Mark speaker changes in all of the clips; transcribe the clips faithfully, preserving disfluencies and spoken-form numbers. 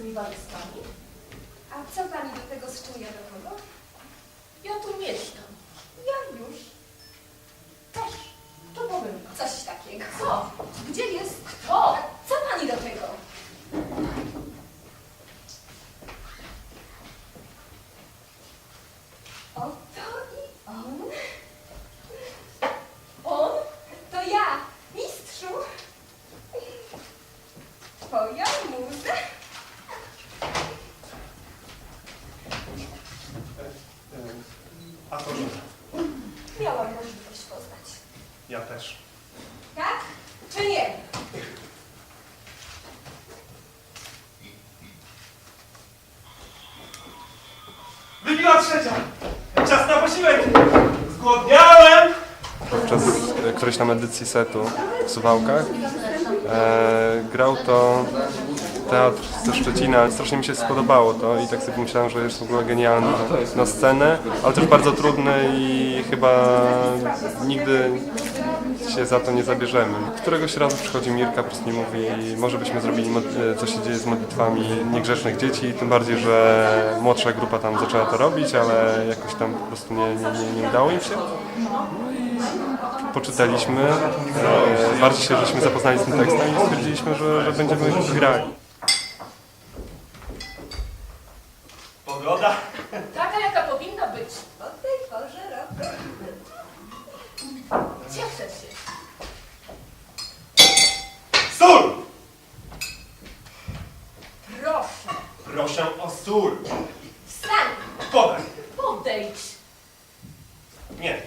Speaker 1: tymi walizkami?
Speaker 2: A co pani do tego, z czym ja do kogo?
Speaker 1: Ja tu mieszkam.
Speaker 2: Ja już.
Speaker 1: Też. To powiem.
Speaker 2: Coś takiego.
Speaker 1: Co?
Speaker 2: Gdzie jest?
Speaker 1: Kto?
Speaker 2: A co pani do tego? Oto i on. On? To ja, mistrzu. Twoja muza.
Speaker 3: A to że?
Speaker 2: Miałam możliwość poznać.
Speaker 3: Ja też.
Speaker 2: Tak? Czy nie?
Speaker 3: Wybiła trzecia! Czas na posiłek! Zgłodniałem!
Speaker 4: Podczas którejś tam edycji setu w Suwałkach e, grał to teatr ze Szczecina. Strasznie mi się spodobało to i tak sobie myślałem, że jest w ogóle genialny na scenę, ale też bardzo trudny i chyba nigdy się za to nie zabierzemy. Któregoś razu przychodzi Mirka, po prostu mi mówi, może byśmy zrobili, co się dzieje z modlitwami niegrzecznych dzieci, tym bardziej, że młodsza grupa tam zaczęła to robić, ale jakoś tam po prostu nie, nie, nie, nie udało im się. Poczytaliśmy, e, bardziej się żeśmy zapoznali z tym tekstem i stwierdziliśmy, że, że będziemy grali.
Speaker 3: Pogoda?
Speaker 1: Taka, jaka powinna być.
Speaker 2: O tej porze roku.
Speaker 1: Cieszę się.
Speaker 3: Sól!
Speaker 1: Proszę.
Speaker 3: Proszę o sól.
Speaker 2: Wstań!
Speaker 3: Podaj.
Speaker 1: Podejdź.
Speaker 3: Nie.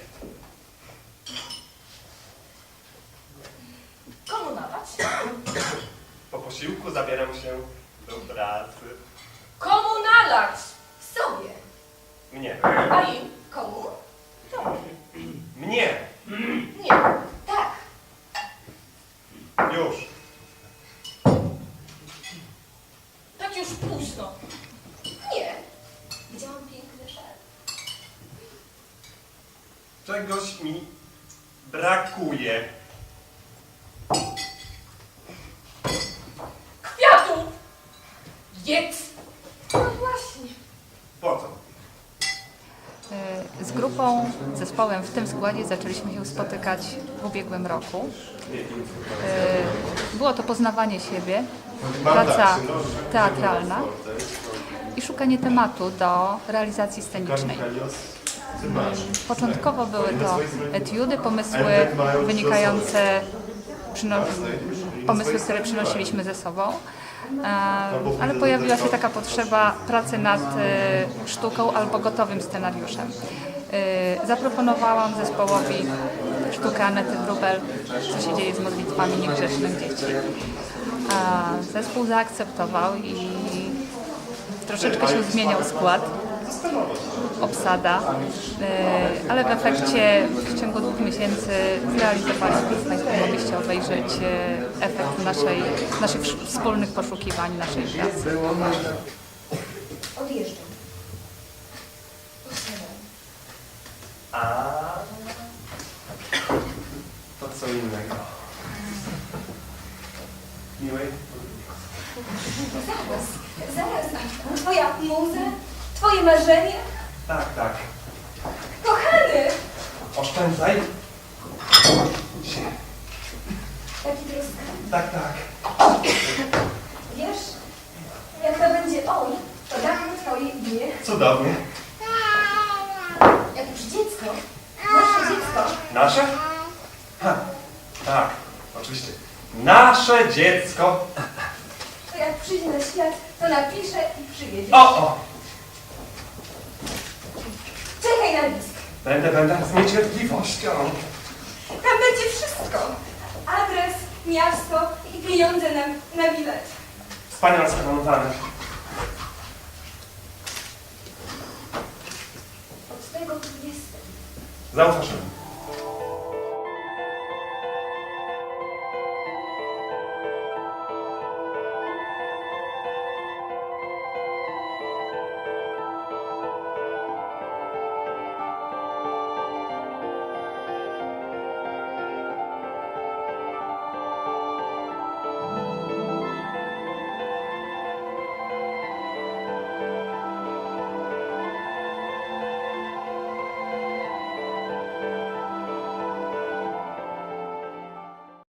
Speaker 1: Komu nalać?
Speaker 3: Po posiłku zabieram się do pracy.
Speaker 1: Komu nalać?
Speaker 2: Sobie.
Speaker 3: Mnie.
Speaker 1: A im?
Speaker 2: Komu?
Speaker 3: Mnie.
Speaker 1: Nie.
Speaker 2: Tak.
Speaker 3: Już.
Speaker 1: Tak już późno.
Speaker 2: Nie. Widziałam piękny szal.
Speaker 3: Czegoś mi brakuje.
Speaker 1: Kwiatu! Jedz!
Speaker 2: No właśnie.
Speaker 3: Po co?
Speaker 5: Z grupą, zespołem w tym składzie zaczęliśmy się spotykać w ubiegłym roku. Było to poznawanie siebie, praca teatralna i szukanie tematu do realizacji scenicznej. Początkowo były to etiudy, pomysły wynikające, pomysły, które przynosiliśmy ze sobą. Ale pojawiła się taka potrzeba pracy nad sztuką albo gotowym scenariuszem. Zaproponowałam zespołowi sztukę Anety Wróbel, co się dzieje z modlitwami niegrzecznych dzieci. Zespół zaakceptował i troszeczkę się zmieniał skład, obsada, ale w efekcie w ciągu dwóch miesięcy zrealizowaliśmy, Państwo mogliście obejrzeć efekt naszej, naszych wspólnych poszukiwań, naszej pracy.
Speaker 2: Odjeżdżam.
Speaker 3: A to co innego. Miłej.
Speaker 2: Zaraz, zaraz. Twoja muza? Twoje marzenie?
Speaker 3: Tak, tak.
Speaker 2: Kochany!
Speaker 3: Oszczędzaj. Się.
Speaker 2: Jaki troska.
Speaker 3: Tak, tak.
Speaker 2: Wiesz, jak to będzie on, to dam mu twoje imię.
Speaker 3: Cudownie.
Speaker 2: Jak już dziecko. Nasze dziecko.
Speaker 3: Nasze? Ha, tak, oczywiście. Nasze dziecko.
Speaker 2: To jak przyjdzie na świat, to napisze i przyjedzie.
Speaker 3: O, o!
Speaker 2: Czekaj na list.
Speaker 3: Będę, będę z niecierpliwością.
Speaker 2: Tam będzie wszystko. Adres, miasto i pieniądze na, na bilet.
Speaker 3: Wspaniale zaplanowane.
Speaker 2: Od tego tu jestem.
Speaker 3: Zaufasz mi.